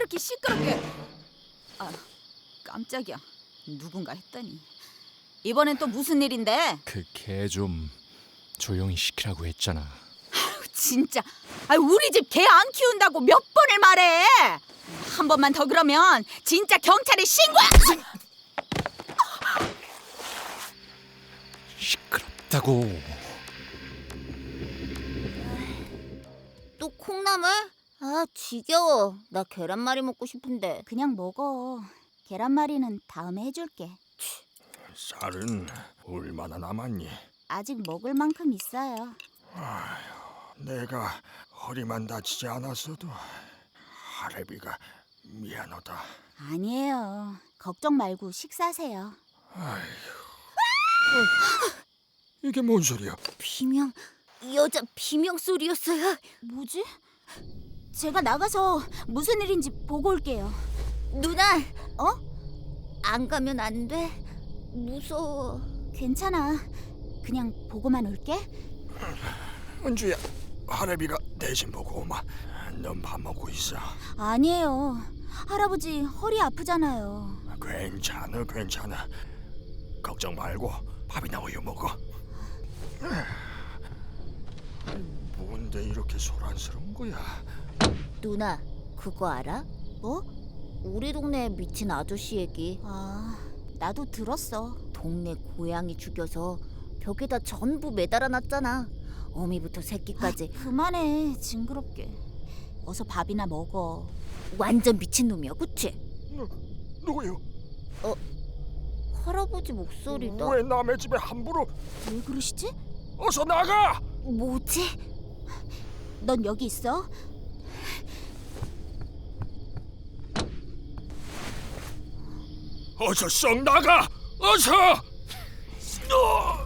그렇게 시끄럽게? 아, 깜짝이야. 누군가 했더니. 이번엔 또 무슨 일인데? 그 개 좀 조용히 시키라고 했잖아. 진짜. 우리 집 개 안 키운다고 몇 번을 말해. 한 번만 더 그러면 진짜 경찰에 신고야. 시끄럽다고. 또 콩나물? 아 지겨워. 나 계란말이 먹고 싶은데. 그냥 먹어. 계란말이는 다음에 해줄게. 쌀은 얼마나 남았니? 아직 먹을 만큼 있어요. 내가 허리만 다치지 않았어도 할애비가 미안하다. 아니에요. 걱정 말고 식사하세요. 이게 뭔 소리야? 비명, 여자 비명 소리였어요. 뭐지? 제가 나가서 무슨 일인지 보고 올게요. 누나, 어? 안 가면 안 돼? 무서워. 괜찮아. 그냥 보고만 올게. 은주야, 할애비가 대신 보고 오마. 넌 밥 먹고 있어. 아니에요. 할아버지 허리 아프잖아요. 괜찮아. 걱정 말고 밥이나 우유 먹어. 뭔데 이렇게 소란스러운 거야? 누나, 그거 알아? 뭐? 우리 동네 미친 아저씨 얘기. 아, 나도 들었어. 동네 고양이 죽여서 벽에다 전부 매달아놨잖아. 어미부터 새끼까지. 그만해. 징그럽게. 어서 밥이나 먹어. 완전 미친놈이야, 그치? 누구요? 할아버지 목소리다. 왜 남의 집에 함부로? 왜 그러시지? 어서 나가! 뭐지? 넌 여기 있어. 어서 썩 나가! 어서!